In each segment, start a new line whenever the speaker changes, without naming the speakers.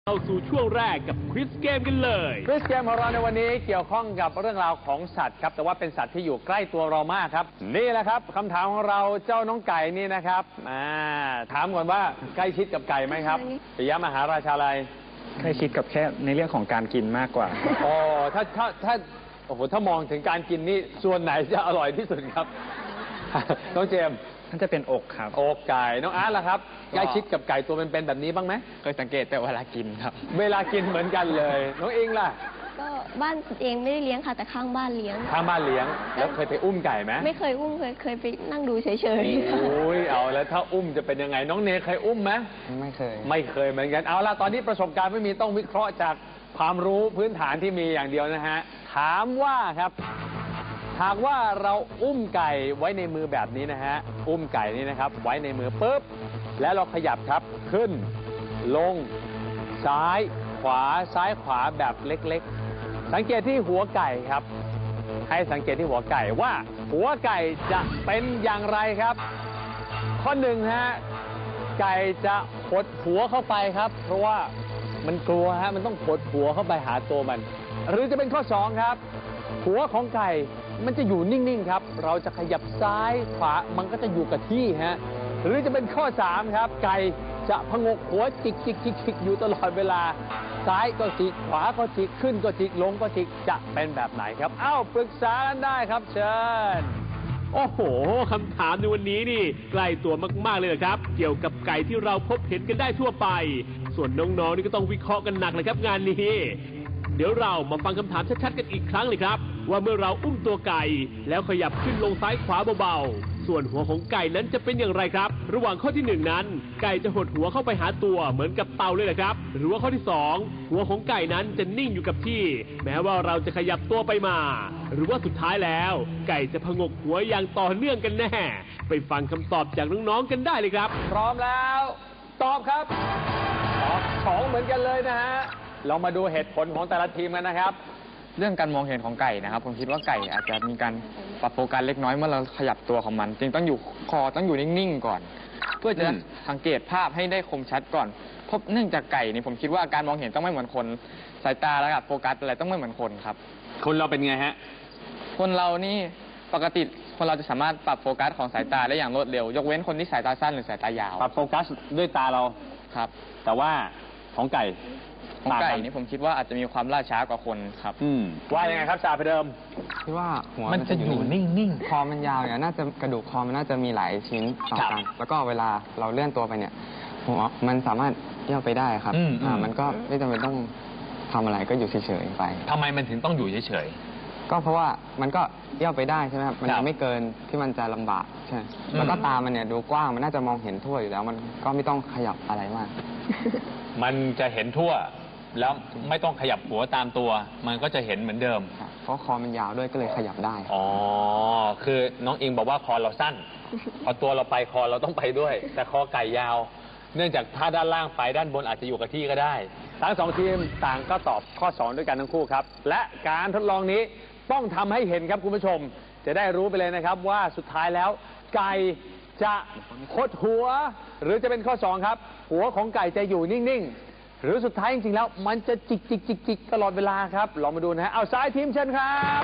เข้าสู่ช่วงแรกกับควิซเกมกันเลย
ควิซเกมของเราในวันนี้เกี่ยวข้องกับเรื่องราวของสัตว์ครับแต่ว่าเป็นสัตว์ที่อยู่ใกล้ตัวเรามากครับนี่แหละครับคำถามของเราเจ้าน้องไก่นี่นะครับถามก่อนว่าใกล้ชิดกับไก่ไหมครับปิยมหาราชาลัย
ใกล้ชิดกับแค่ในเรื่องของการกินมากกว่า
อ๋อถ้าโอ้โหถ้ามองถึงการกินนี่ส่วนไหนจะอร่อยที่สุดครับน้องเจมส์
น่าจะเป็นอกครับ
อกไก่น้องอาร์ตล่ะครับใกล้ชิดกับไก่ตัวเป็นๆแบบนี้บ้างไหม
เคยสังเกตแต่เวลากินครับ
เวลากินเหมือนกันเลยน้องอิงล่ะ
ก็บ้านเองไม่ได้เลี้ยงค่ะแต่ข้างบ้านเลี้ยง
ข้างบ้านเลี้ยงแล้วเคยไปอุ้มไก่ไหม
ไม่เคยอุ้มเคยไปนั่งดูเฉย
ๆโอ้ยเอาแล้วถ้าอุ้มจะเป็นยังไงน้องเนยเคยอุ้มไหม
ไม่เค
ยเหมือนกันเอาล่ะตอนนี้ประสบการณ์ไม่มีต้องวิเคราะห์จากความรู้พื้นฐานที่มีอย่างเดียวนะฮะถามว่าครับหากว่าเราอุ้มไก่ไว้ในมือแบบนี้นะฮะอุ้มไก่นี่นะครับไว้ในมือปุ๊บแล้วเราขยับครับขึ้นลงซ้ายขวาซ้ายขวาแบบเล็กๆสังเกตที่หัวไก่ครับให้สังเกตที่หัวไก่ว่าหัวไก่จะเป็นอย่างไรครับข้อหนึ่งฮะไก่จะหดหัวเข้าไปครับเพราะว่ามันกลัวฮะมันต้องหดหัวเข้าไปหาตัวมันหรือจะเป็นข้อสองครับหัวของไก่มันจะอยู่นิ่งๆครับเราจะขยับซ้ายขวามันก็จะอยู่กับที่ฮะหรือจะเป็นข้อ3ครับไก่จะพงกหัวจิกอยู่ตลอดเวลาซ้ายก็จิกขวาก็จิกขึ้นก็จิกลงก็จิกจะเป็นแบบไหนครับปรึกษากันได้ครับเชิญ
โอ้โหคำถามในวันนี้นี่ใกล้ตัวมากๆเลยครับเกี่ยวกับไก่ที่เราพบเห็นกันได้ทั่วไปส่วนน้องๆนี่ก็ต้องวิเคราะห์กันหนักเลยครับงานนี้เดี๋ยวเรามาฟังคำถามชัดๆกันอีกครั้งเลยครับว่าเมื่อเราอุ้มตัวไก่แล้วขยับขึ้นลงซ้ายขวาเบาๆส่วนหัวของไก่นั้นจะเป็นอย่างไรครับระหว่างข้อที่1นั้นไก่จะหดหัวเข้าไปหาตัวเหมือนกับเต่าเลยแหละครับหรือว่าข้อที่2หัวของไก่นั้นจะนิ่งอยู่กับที่แม้ว่าเราจะขยับตัวไปมาหรือว่าสุดท้ายแล้วไก่จะพงกหัวอย่างต่อเนื่องกันแน่ไปฟังคำตอบจากน้องๆกันได้เลยครับ
พร้อมแล้วตอบครับตอบ2เหมือนกันเลยนะฮะเรามาดูเหตุผลของแต่ละทีมกันนะครับ
เรื่องการมองเห็นของไก่นะครับผมคิดว่าไก่อาจจะมีการปรับโฟกัสเล็กน้อยเมื่อเราขยับตัวของมันจึงต้องอยู่คอต้องอยู่นิ่งๆก่อนเพื่อจะสังเกตภาพให้ได้คมชัดก่อนเพราะเนื่องจากไก่นี่ผมคิดว่าการมองเห็นต้องไม่เหมือนคนสายตาระดับโฟกัสอะไรต้องไม่เหมือนคนครับ
คนเราเป็นไงฮะ
คนเรานี่ปกติคนเราจะสามารถปรับโฟกัสของสายตาได้อย่างรวดเร็วยกเว้นคนที่สายตาสั้นหรือสายตายาว
ปรับโฟกัสด้วยตาเรา
ครับ
แต่ว่าของไก่
นี่ผมคิดว่าอาจจะมีความล่าช้ากว่าคนครับ
ว่ายังไงครับจ่าไปเดิม
คิดว่าหัวมันจะอยู่นิ่งๆคอมันยาวเนี่ยน่าจะกระดูกคอมันน่าจะมีหลายชิ้นต่อกันแล้วก็เวลาเราเลื่อนตัวไปเนี่ยหัวมันสามารถเอี้ยวไปได้ครับมันก็ไม่จำเป็นต้องทำอะไรก็อยู่เฉยๆไป
ทำไมมันถึงต้องอยู่เฉย
ๆก็เพราะว่ามันก็เอี้ยวไปได้ใช่ไหมครับมันไม่เกินที่มันจะลำบากใช่แล้วก็ตามันเนี่ยดูกว้างมันน่าจะมองเห็นทั่วอยู่แล้วมันก็ไม่ต้องขยับอะไรมาก
มันจะเห็นทั่วแล้วไม่ต้องขยับหัวตามตัวมันก็จะเห็นเหมือนเดิม
เพราะคอมันยาวด้วยก็เลยขยับได้
อ๋อคือน้องอิงบอกว่าคอเราสั้นพอตัวเราไปคอเราต้องไปด้วยแต่คอไก่ยาวเนื่องจากถ้าด้านล่างไปด้านบนอาจจะอยู่กับที่ก็ได้ทั้ง2ทีมต่างก็ตอบข้อ2ด้วยกันทั้งคู่ครับและการทดลองนี้ต้องทำให้เห็นครับคุณผู้ชมจะได้รู้ไปเลยนะครับว่าสุดท้ายแล้วไก่จะคดหัวหรือจะเป็นข้อ2ครับหัวของไก่จะอยู่นิ่งๆหรือสุดท้ายจริงๆแล้วมันจะจิกตลอดเวลาครับลองมาดูนะฮะเอาซ้ายทีมเชิญครับ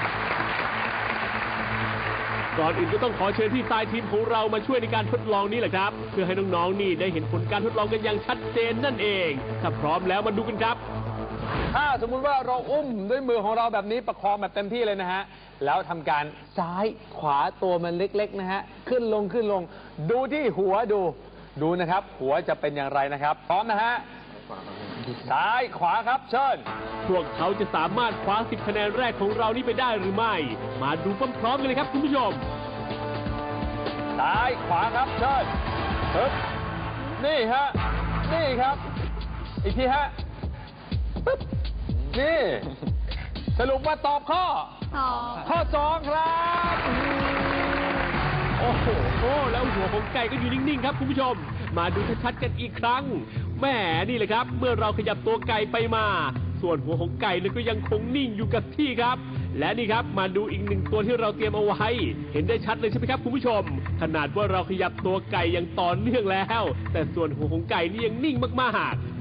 ก่อนอื่นก็ต้องขอเชิญที่ทรายทีมของเรามาช่วยในการทดลองนี้แหละครับเพื่อให้น้องๆนี่ได้เห็นผลการทดลองกันอย่างชัดเจนนั่นเองถ้าพร้อมแล้วมาดูกันครับ
ถ้าสมมุติว่าเราอุ้มด้วยมือของเราแบบนี้ประคองแบบเต็มที่เลยนะฮะแล้วทำการซ้ายขวาตัวมันเล็กๆนะฮะขึ้นลงดูที่หัวดูนะครับหัวจะเป็นอย่างไรนะครับพร้อมนะฮะซ้ายขวาครับเชิญ
พวกเขาจะสามารถคว้า10คะแนนแรกของเรานี่ไปได้หรือไม่มาดูพร้อมๆกันเลยครับคุณผู้ชม
ซ้ายขวาครับเชิญปึ๊บนี่ฮะนี่ครับอีกทีฮะปึ๊บนี่สรุปว่าตอบข้อ2ครับ
โอ้โหแล้วหัวของไก่ก็อยู่นิ่งๆครับคุณผู้ชมมาดูชัดๆกันอีกครั้งแหมนี่แหละครับเมื่อเราขยับตัวไก่ไปมาส่วนหัวของไก่เนี่ยก็ยังคงนิ่งอยู่กับที่ครับและนี่ครับมาดูอีก1ตัวที่เราเตรียมเอาไว้เห็นได้ชัดเลยใช่ไหมครับคุณผู้ชมขนาดว่าเราขยับตัวไก่อย่างต่อเนื่องแล้วแต่ส่วนหัวของไก่นี่ยังนิ่งมากๆ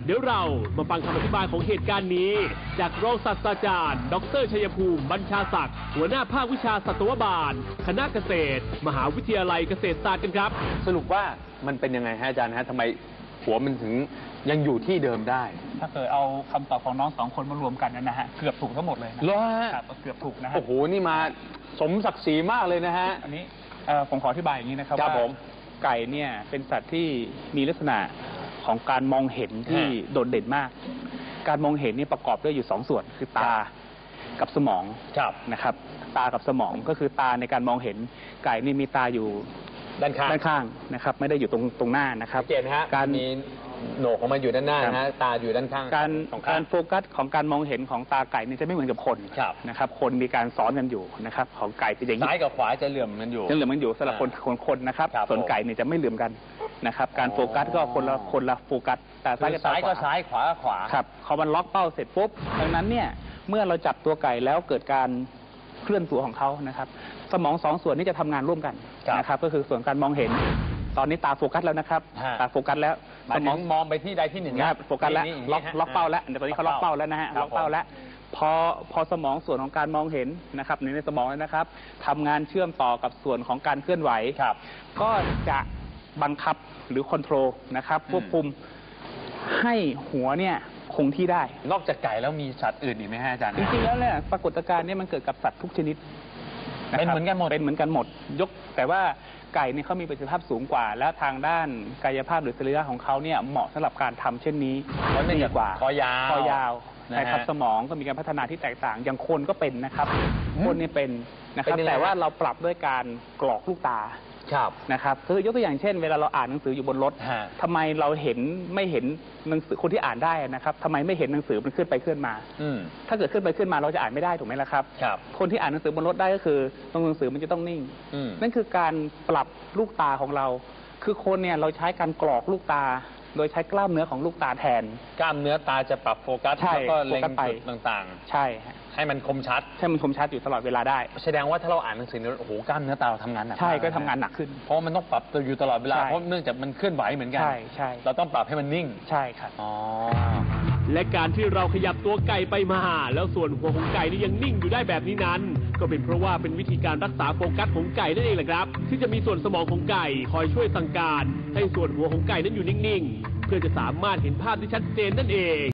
เดี๋ยวเรามาฟังคำอธิบายของเหตุการณ์นี้ จากรองศาสตราจารย์ ดร.ชัยภูมิ บัญชาศักดิ์หัวหน้าภาควิชาสัตวบาล คณะเกษตร มหาวิทยาลัยเกษตรศาสตร์กันครับ
สรุปว่ามันเป็นยังไงฮะอาจารย์ฮะทำไมหัวมันถึงยังอยู่ที่เดิมได้
ถ้าเกิดเอาคำตอบของน้องสองคนมารวมกันนะฮะเกือบถูกทั้งหมดเลยนะ
เหรอฮะ
ครับเกือบถูกนะฮะ
โอ้โหนี่มาสมศักดิ์ศรีมากเลยนะฮะ
อันนี้ผมขออธิบายอย่างนี้นะครับ
ครับ
ว่า
ผม
ไก่เนี่ยเป็นสัตว์ที่มีลักษณะของการมองเห็นที่โดดเด่นมาก การมองเห็นนี่ประกอบด้วยอยู่สองส่วนคือตากับสมอง
ครับ
นะครับ ตากับสมองก็คือตาในการมองเห็นไก่นี่มีตาอยู่
ด้านข้าง
ด้านข้างนะครับ ไม่ได้อยู่ตรงหน้านะครับ
สังเกตนะฮะ
การ
มีโหนกของมันอยู่ด้านหน้านะฮะตาอยู่ด้านข้าง
การ
สอง
กา
ข้าง
รโฟกัสของการมองเห็นของตาไก่นี่จะไม่เหมือนกับคน
ครับ
นะครับ คนมีการซ้อนกันอยู่นะครับ ของไก่เป็นอย่างนี้
ซ้ายกับขวาจะเหลื่อมกันอยู่
ยังเหลือมันอยู่สำหรับคนนะครับ
ครับ
ส่วน
ผม
ไก่เนี่ยจะไม่เหลื่อมกันนะครับ การ
อ๋อ
โฟกัสก็คนละโฟกัสแต่ซ้ายกับ
ซ้ายก็
ขว
ซ้ายขวาก็ขวา
ครับพอมันล็อกเป้าเสร็จปุ๊บดังนั้นเนี่ยเมื่อเราจับตัวไก่แล้วเกิดการเคลื่อนตัวของเขานะครับ สมองสองส่วนนี้จะทำงานร่วมกัน
ครับ
นะครับ ก็คือส่วนการมองเห็น ตอนนี้ตาโฟกัสแล้วนะครับ
ฮะ
ตาโฟกัสแล้ว
หมายถึงมองไปที่ใดที่หนึ่ง
นะครับโฟกัสแล้ว
นี่
ล็อกเป้าแล้วเดี๋ยวตอนนี้เขาล็อกเป้าแล้วนะฮะ
ครับ
ล็อกเป้าแล้วพอสมองส่วนของการมองเห็นนะครับในสมองแล้วนะครับทำงานเชื่อมต่อกับส่วนของการเคลื่อนไหว
ครับ
ก็จะบังคับหรือคอนโทรลนะครับควบคุมให้หัวเนี่ยคงที่ได้
นอกจากไก่แล้วมีสัตว์อื่นอีกไหมฮะอาจารย์
จริงๆแล้วเนี่ยปรากฏการณ์เนี้มันเกิดกับสัตว์ทุกชนิดะครับ
เป็นเหมือนกันหมด
เป็นเหมือนกันหมดแต่ว่าไก่เนี่ยเขามีประสิทธิภาพสูงกว่า แล้วทางด้านกายภาพหรือสรีระของเขาเนี่ยเหมาะสำหรับการทำเช่นนี้
เพราะเนื่อง
ดี
จาก
กว่า
คอยาว
คอยาว
นะฮะ
ใช่ครับสมองก็มีการพัฒนาที่แตกต่าง อย่างคนก็เป็นนะครับ คนเนี่ยเป็นนะครับ
เป็นยังไง
แต่ว่าเราปรับด้วยการกรอกลูกตา
ครับ
นะครับคือยกตัวอย่างเช่น เวลาเราอ่านหนังสืออยู่บนรถ
ฮะ
ทำไมเราไม่เห็นหนังสือคนที่อ่านได้นะครับทำไมไม่เห็นหนังสือมันขึ้นไปขึ้นมา
อืม
ถ้าเกิดขึ้นไปขึ้นมาเราจะอ่านไม่ได้ถูกไหมล่ะครับ
ครับ
คนที่อ่านหนังสือบนรถได้ก็คือตรงหนังสือมันจะต้องนิ่ง
อืม
นั่นคือการปรับลูกตาของเรา คือคนเนี่ยเราใช้การกรอกลูกตา โดยใช้กล้ามเนื้อของลูกตาแทน
กล้ามเนื้อตาจะปรับโฟกัส
ใช่
แล้วก็เล็ง
โฟกัสไป
จุดต่าง
ใช่ฮะ
ๆ ให้มันคมชัด
ให้มันคมชัดอยู่ตลอดเวลาได้
แสดงว่าถ้าเราอ่านหนังสือเนี่ยโอ้โหกล้ามเนื้อตาเราทำงานหนัก
ใช่
ม
ก็ทำงานหนักขึ้น
เพราะมันต้องปรับตัวอยู่ตลอดเวลา
ใช่
เพราะเนื่องจากมันเคลื่อนไหวเหมือนกัน
ใช่ใช่
เราต้องปรับให้มันนิ่ง
ใช่ครับ
อ๋อ
และการที่เราขยับตัวไก่ไปมา แล้วส่วนหัวของไก่นี่ยังนิ่งอยู่ได้แบบนี้นั้น ก็เป็นเพราะว่าเป็นวิธีการรักษาโฟกัสของไก่นั่นเองแหละครับ ที่จะมีส่วนสมองของไก่คอยช่วยสั่งการ ให้ส่วนหัวของไก่นั้นอยู่นิ่งๆ เพื่อจะสามารถเห็นภาพที่ชัดเจนนั่นเอง